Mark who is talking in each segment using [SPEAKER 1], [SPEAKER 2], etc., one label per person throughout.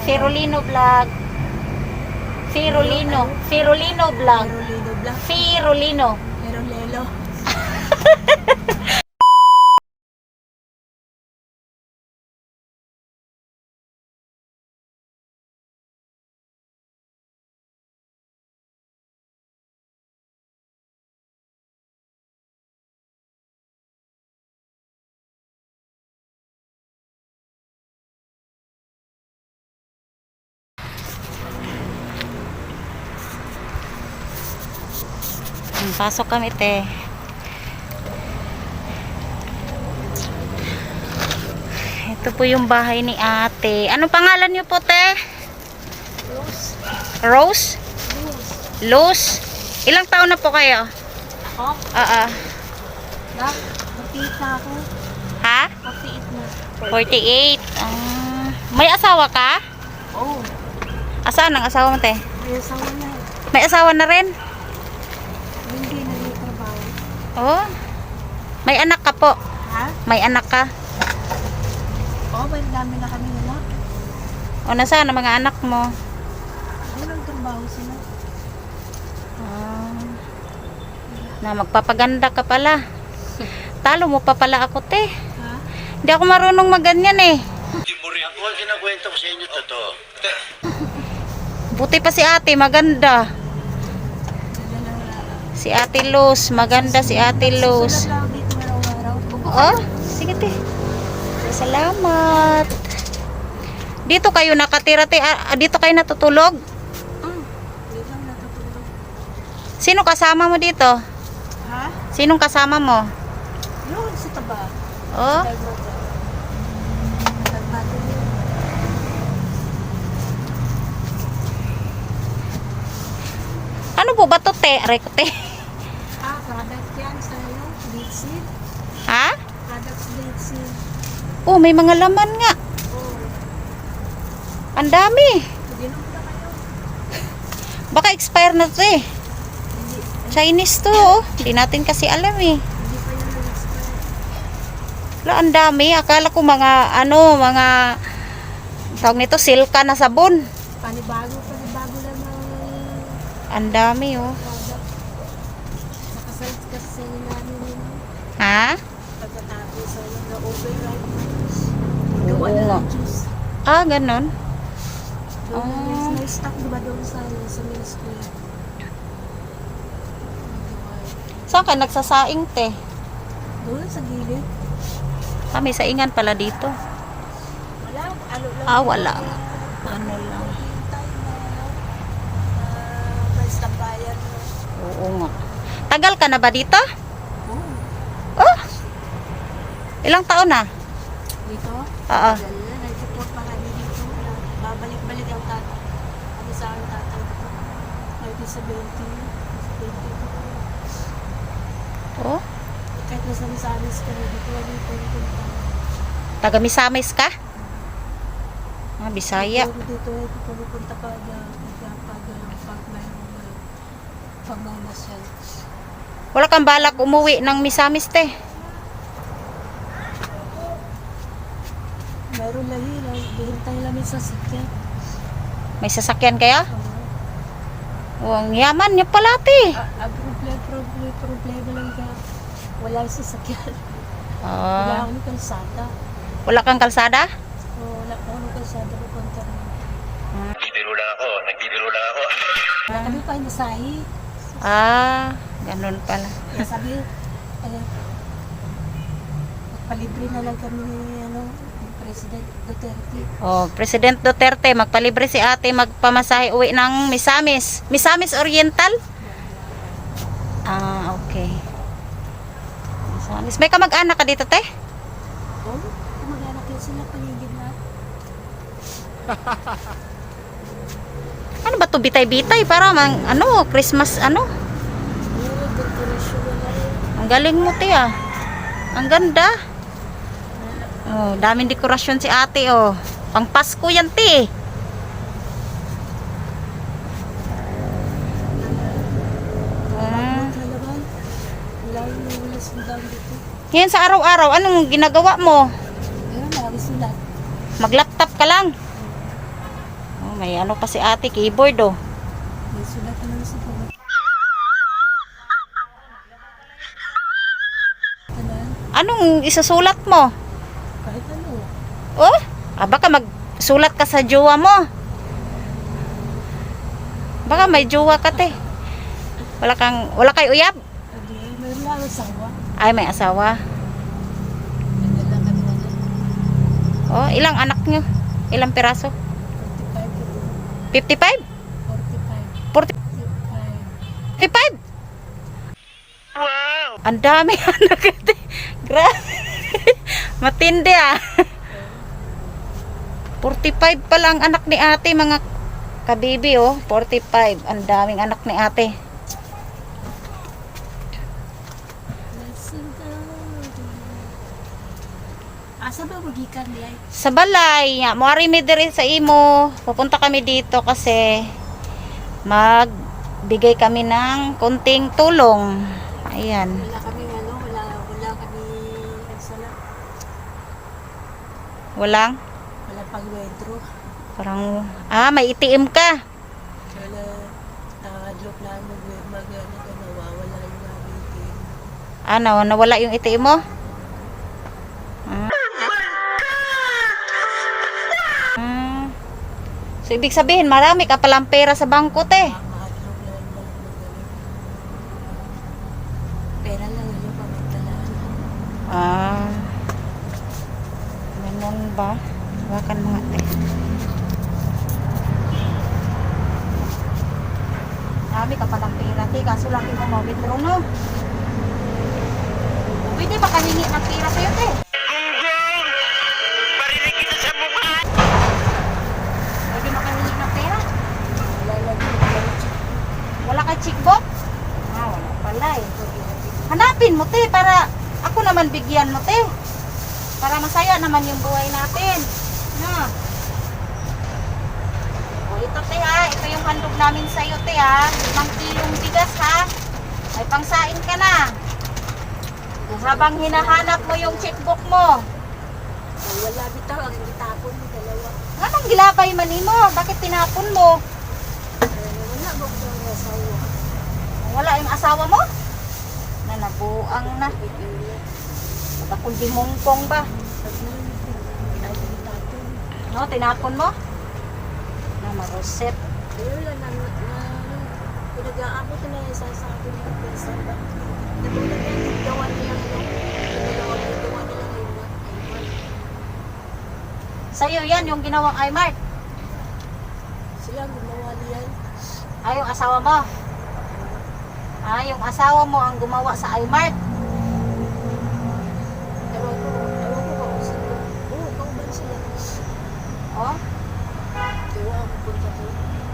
[SPEAKER 1] Si Rolino Vlog. Si Rolino. Si Rolino Vlog.
[SPEAKER 2] Rolino Vlog.
[SPEAKER 1] Si Rolino.
[SPEAKER 2] Pero Lelo.
[SPEAKER 1] Pasok kami, te. Ito po yung bahay ni ate. Ano pangalan niyo po, te?
[SPEAKER 2] Rose.
[SPEAKER 1] Rose?
[SPEAKER 2] Rose.
[SPEAKER 1] Luz? Ilang taon na po kayo?
[SPEAKER 2] Ako? Nak, 48 na ako.
[SPEAKER 1] Ha?
[SPEAKER 2] 48 na.
[SPEAKER 1] 48. May asawa ka?
[SPEAKER 2] Oo.
[SPEAKER 1] Asaan ang asawa mo, te?
[SPEAKER 2] May asawa na.
[SPEAKER 1] May asawa na rin?
[SPEAKER 2] Hindi na yung trabaho.
[SPEAKER 1] Oh. May anak ka po?
[SPEAKER 2] Ha?
[SPEAKER 1] May anak ka?
[SPEAKER 2] Oo, may dami na kami na.
[SPEAKER 1] O nasaan ang mga anak mo?
[SPEAKER 2] Walang trabaho sila.
[SPEAKER 1] Na magpapaganda ka pala. Talo mo pa pala ako, te.
[SPEAKER 2] Ha?
[SPEAKER 1] Hindi ako marunong maganyan eh.
[SPEAKER 3] Ako ang kinakwento ko sa inyo, totoo.
[SPEAKER 1] Buti pa si ate, maganda. Si ate Luz, maganda si ate Luz.
[SPEAKER 2] Susunod lang ako dito araw-araw.
[SPEAKER 1] Oh, sige, te. Salamat. Dito kayo nakatira, te. Dito kayo natutulog?
[SPEAKER 2] Hindi lang natutulog.
[SPEAKER 1] Sino kasama mo dito?
[SPEAKER 2] Ha?
[SPEAKER 1] Sinong kasama mo?
[SPEAKER 2] Yun, sa taba.
[SPEAKER 1] Oh,
[SPEAKER 2] Nagbago yun.
[SPEAKER 1] ano po ba to, te? Aray ko, te.
[SPEAKER 2] Product yan sa iyo. Date seed.
[SPEAKER 1] Ha?
[SPEAKER 2] Products date seed.
[SPEAKER 1] Oh, may mga laman nga.
[SPEAKER 2] Oo.
[SPEAKER 1] Ang dami.
[SPEAKER 2] Ginom na kayo.
[SPEAKER 1] Baka expire na to eh.
[SPEAKER 2] Hindi,
[SPEAKER 1] Chinese to, oh. Hindi natin kasi alam eh.
[SPEAKER 2] hindi pa yun na-expire.
[SPEAKER 1] Wala, ang dami. Akala ko mga, mga tawag nito, silka na sabon.
[SPEAKER 2] Panibago lang ng
[SPEAKER 1] Ang dami, oh.
[SPEAKER 2] product. Nakasites kasi namin yun.
[SPEAKER 1] Ha?
[SPEAKER 2] Pagkatapos sa na-override.
[SPEAKER 1] Oo
[SPEAKER 2] Gawa na
[SPEAKER 1] nga.
[SPEAKER 2] ng juice.
[SPEAKER 1] Ah, ganun.
[SPEAKER 2] Doon
[SPEAKER 1] Ah.
[SPEAKER 2] na stock diba doon sa ministry.
[SPEAKER 1] Saan ka nagsasaing, te?
[SPEAKER 2] Doon sa gilid.
[SPEAKER 1] Ah, may saingan pala dito.
[SPEAKER 2] Wala. Ano lang.
[SPEAKER 1] Ah, wala. Ano lang.
[SPEAKER 2] Price ng bayan.
[SPEAKER 1] Oo nga. Tagal ka na ba dito?
[SPEAKER 2] Oh.
[SPEAKER 1] Oh! Ilang taon na?
[SPEAKER 2] Dito?
[SPEAKER 1] Oo.
[SPEAKER 2] Dala, nag-support pa kami dito. Babalik-balik ang tata. Kami sa aking tatay. 1970.
[SPEAKER 1] Oh?
[SPEAKER 2] Kahit nasa Misamis kami dito, wali po yung punta.
[SPEAKER 1] Taga Misamis ka? Ah, Bisaya.
[SPEAKER 2] Dito ay pupunta pa pag pagmamasyal.
[SPEAKER 1] Wala kang balak umuwi ng Misamis, te?
[SPEAKER 2] Meron lang yun. Bihintay lang sa sakya.
[SPEAKER 1] May sasakyan kaya? Oh, ang yaman niya pala, te.
[SPEAKER 2] Ang problema lang ka. Wala yung sasakyan. Wala
[SPEAKER 1] Ah,
[SPEAKER 2] akong kalsada.
[SPEAKER 1] wala kang kalsada?
[SPEAKER 2] Wala akong kalsada na kontra.
[SPEAKER 3] Nagtitiro lang ako.
[SPEAKER 2] Wala kami pa inasahi.
[SPEAKER 1] Ah, ganun pala.
[SPEAKER 2] Kaya sabi, magpalibre na lang kami ni President Duterte.
[SPEAKER 1] Oh, President Duterte, magpalibre si ate magpamasahe uwi ng Misamis. Misamis Oriental? Ah, okay. Misamis. May kamag-anak ka dito, te?
[SPEAKER 2] Oh, mag-anak yun sila paligid na.
[SPEAKER 1] Ano ba to bitay-bitay? Para mang, Christmas,
[SPEAKER 2] Decoration na lang.
[SPEAKER 1] Ang galing mo, te, ah. Ang ganda. Oh, daming dekorasyon si ate, oh. Pang Pasko yan, te.
[SPEAKER 2] Kalaban, wala yung wala sundang dito.
[SPEAKER 1] Ngayon sa araw-araw, anong ginagawa mo?
[SPEAKER 2] Ayun, marami sila.
[SPEAKER 1] Mag-laptop ka lang. may ano pa si ate, keyboard oh.
[SPEAKER 2] May sulat naman sa baba. Tanan,
[SPEAKER 1] Anong isusulat mo?
[SPEAKER 2] kahit ano.
[SPEAKER 1] Oh, baka magsulat ka sa jowa mo. Baka may jowa ka te. Wala kay uyab?
[SPEAKER 2] Sabi, may lang asawa.
[SPEAKER 1] Ay, may asawa.
[SPEAKER 2] Nagdala kami na dyan.
[SPEAKER 1] Oh, ilang anak nyo? Ilang piraso?
[SPEAKER 2] 45
[SPEAKER 1] 55?
[SPEAKER 2] 45.
[SPEAKER 1] 45? Wow! Ang dami anak ate. Grabe. Matindi ah. 45 pa lang anak ni ate, mga kabibi oh. 45. Ang daming anak ni ate.
[SPEAKER 2] Asa ba magikan di ay?
[SPEAKER 1] Sa balay, moari mi diri sa imo. Pupunta kami dito kasi magbigay kami ng konting tulong. Ayan.
[SPEAKER 2] Wala kami ano, wala kami sala.
[SPEAKER 1] Walang
[SPEAKER 2] Wala pang wedro.
[SPEAKER 1] parang may ATM ka.
[SPEAKER 2] Wala look na nawawala yung nabitin.
[SPEAKER 1] Ano, nawala yung ATM mo? So ibig sabihin marami ka palang pera sa bangko te.
[SPEAKER 2] Mahadlok na yung magaling. Pera lang yun pamagtalaan.
[SPEAKER 1] Ganun ba? Hawakan mga te. Marami ka palang pera te, kaso laki mo mawithdraw no. Pwede ba kahingi ng pera sa'yo te? Pwede makahingi ng pera? Wala kay checkbook? Wala pala eh. Hanapin mo te, para ako naman bigyan mo te. Para masaya naman yung buhay natin. Na. O ito te ha, ito yung handog namin sa'yo te ha. 5 kilong bigas ha. May pangsain ka na. Habang hinahanap mo yung checkbook mo.
[SPEAKER 2] Wala bitaw, ang itapon mo dalawa.
[SPEAKER 1] Anong gilabay man mo? Bakit tinapon mo?
[SPEAKER 2] Wala mo ko ang asawa.
[SPEAKER 1] Wala yung asawa mo? Na nabuang na. Bakul di mongkong ba?
[SPEAKER 2] Ay, itapon.
[SPEAKER 1] No, tinapon mo? Na maruset.
[SPEAKER 2] Ayun lang pinag-aabot na yung sasabi ng person ba? Natulad yung gawa nila gawa nila ngayon.
[SPEAKER 1] Sa'yo yan, yung ginawang iMart.
[SPEAKER 2] Sila gumawa niyan.
[SPEAKER 1] Yung asawa mo. Yung asawa mo ang gumawa sa iMart.
[SPEAKER 2] Ewan ko ba kung sino. Oo, kauban sila.
[SPEAKER 1] Oh,
[SPEAKER 2] Diwa ang punta ko.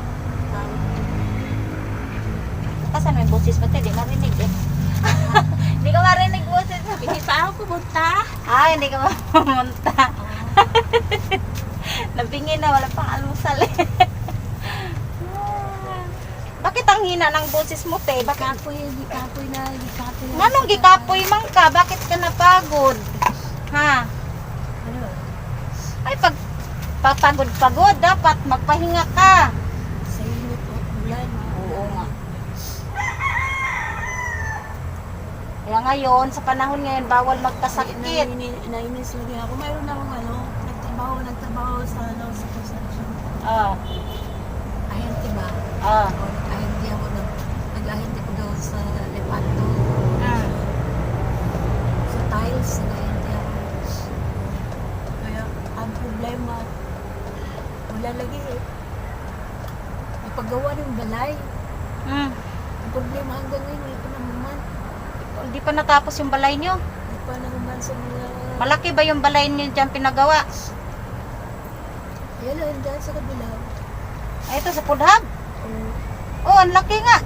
[SPEAKER 1] kasan may boses pati, di marinig eh. Hindi ka marinig boses.
[SPEAKER 2] Hindi pa ako pumunta.
[SPEAKER 1] Hindi ka mamunta. Nabingin na, wala pang almusal eh. Bakit ang hina ng boses mo te? Bakit?
[SPEAKER 2] Gikapoy na.
[SPEAKER 1] Anong gikapoy man ka? Bakit ka napagod? Ha?
[SPEAKER 2] Ano?
[SPEAKER 1] Ay, pag papagod-pagod, dapat magpahinga ka.
[SPEAKER 2] Sa inyo po, ulan.
[SPEAKER 1] Oo nga. Kaya ngayon, sa panahon ngayon, bawal magkasakit.
[SPEAKER 2] Nainis lagi ako. Mayroon akong nagtrabaho sa construction. Ahente ba? Ahente ako nag-ahente ko daw sa Lepanto. Sa tiles, nag-ahente ako. Kaya, ang problema, wala lagi eh. Ipagawa ng balay. Ang problema hanggang ngayon, wala pa naman.
[SPEAKER 1] Hindi pa natapos yung balay nyo.
[SPEAKER 2] Hindi pa naman sa mga...
[SPEAKER 1] Malaki ba yung balay nyo dyan pinagawa?
[SPEAKER 2] Yan lang, dyan sa kabila.
[SPEAKER 1] Ito sa Pudhab. Ang laki nga.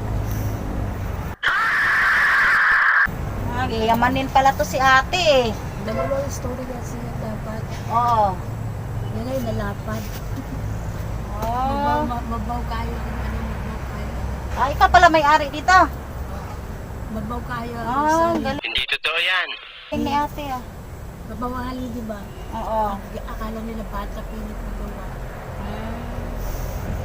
[SPEAKER 1] Yamanin pala to si ate eh.
[SPEAKER 2] Dalawang story kasi dapat.
[SPEAKER 1] Oo.
[SPEAKER 2] Yan ay nalapad.
[SPEAKER 1] Oh.
[SPEAKER 2] Mabaw kayo kung ano mabaw kayo.
[SPEAKER 1] Ikaw pala may-ari dito.
[SPEAKER 2] Mabaw kayo.
[SPEAKER 1] Galing
[SPEAKER 3] Hindi totoo yan.
[SPEAKER 1] ni ate ah.
[SPEAKER 2] Mabawali, di ba?
[SPEAKER 1] Oo.
[SPEAKER 2] Akala nila bata pilit magawa.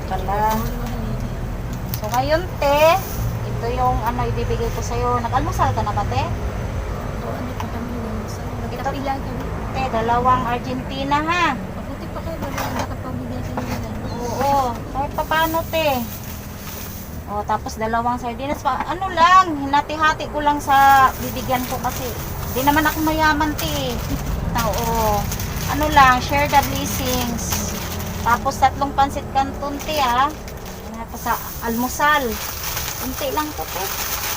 [SPEAKER 1] pala. So ngayon te, ito yung ano ibibigay ko sa'yo. Nag-almusal ka na ba te?
[SPEAKER 2] Ano pa kami naman sa nagkapila kami.
[SPEAKER 1] Te, dalawang Argentina ha.
[SPEAKER 2] Mabuti pa kayo, wala nakapamigay sa nila.
[SPEAKER 1] Oo, kahit pa paano te. O, tapos dalawang sardinas pa. Ano lang, hinati-hati ko lang sa bibigyan ko kasi. Di naman ako mayaman te. Oo. Ano lang, share the blessings. Tapos 3 pansit canton te ha. Tapos sa almusal. Kunti lang to te.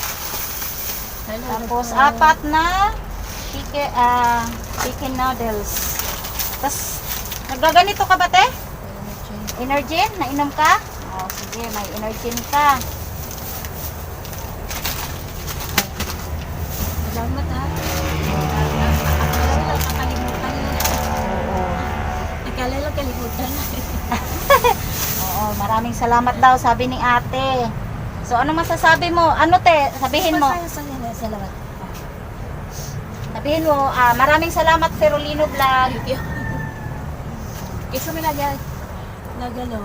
[SPEAKER 1] Tapos 4 na chicken noodles. Tapos nagaganito ka ba te? Energy? Nainom ka? O sige, may energy ka.
[SPEAKER 2] Salamat ha. Nakalimutan na. Nakala lang kalimutan na.
[SPEAKER 1] Oo, maraming salamat daw sabi ni ate. So ano masasabi mo? Ano te? Sabihin mo.
[SPEAKER 2] Salamat.
[SPEAKER 1] Sabihin mo, maraming salamat Ferolino Vlog.
[SPEAKER 2] Thank you. Kasi may nagalo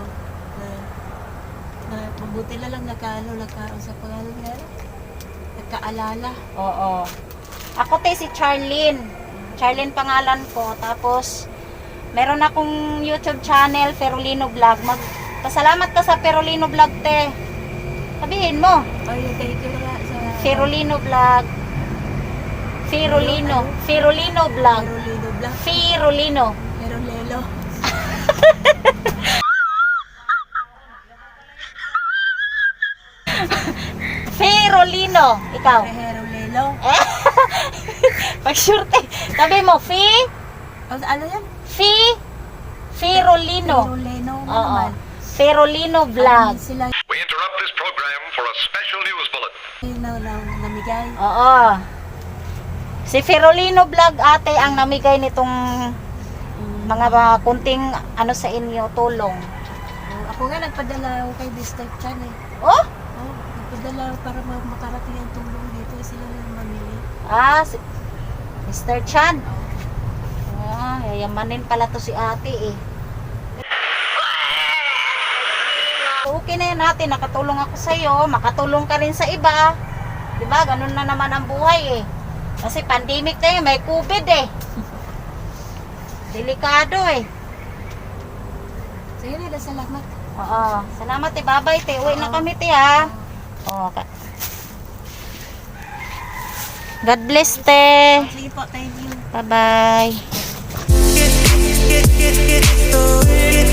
[SPEAKER 2] na mabuti na lang nagkausap pangalan nga. Nagkaalala.
[SPEAKER 1] Oo. Ako te si Charlene. Charlene pangalan ko. Tapos meron akong YouTube channel Ferolino Vlog. Magpasalamat ka sa Ferolino Vlog te. Sabihin mo.
[SPEAKER 2] Ay, thank you nga sa
[SPEAKER 1] Ferolino Vlog. Ferolino Vlog.
[SPEAKER 2] Ferolino Vlog.
[SPEAKER 1] Ferolino.
[SPEAKER 2] Ferolelo.
[SPEAKER 1] Ferolino. Ikaw.
[SPEAKER 2] Ferolelo.
[SPEAKER 1] Pag sure te. Sabi mo,
[SPEAKER 2] Ano yan?
[SPEAKER 1] Ferolino.
[SPEAKER 2] Feroleno
[SPEAKER 1] Oo.
[SPEAKER 2] naman.
[SPEAKER 1] Ferolino Vlog.
[SPEAKER 2] Sila
[SPEAKER 3] We interrupt this program for a special news bulletin.
[SPEAKER 2] namigay.
[SPEAKER 1] Oo. Si Ferolino Vlog ate ang namigay nitong mga kunting ano sa inyo tulong.
[SPEAKER 2] Ako nga nagpadala ako kay Mr. Chan eh.
[SPEAKER 1] Oh?
[SPEAKER 2] Nagpadala para makarating ang tulong dito sila lang mamili.
[SPEAKER 1] Si Mr. Chan. Yayamanin pala to si ate eh. Okay na yan ate, nakatulong ako sa iyo, makatulong ka rin sa iba. 'Di ba? Ganun na naman ang buhay eh. Kasi pandemic na yun, may COVID eh. Delikado eh.
[SPEAKER 2] Sige na, salamat.
[SPEAKER 1] Oo. Salamat eh. Bye-bye te. Uwi na kami te ha. Okay. God bless te.
[SPEAKER 2] Sige po, thank you.
[SPEAKER 1] Bye-bye.
[SPEAKER 4] Get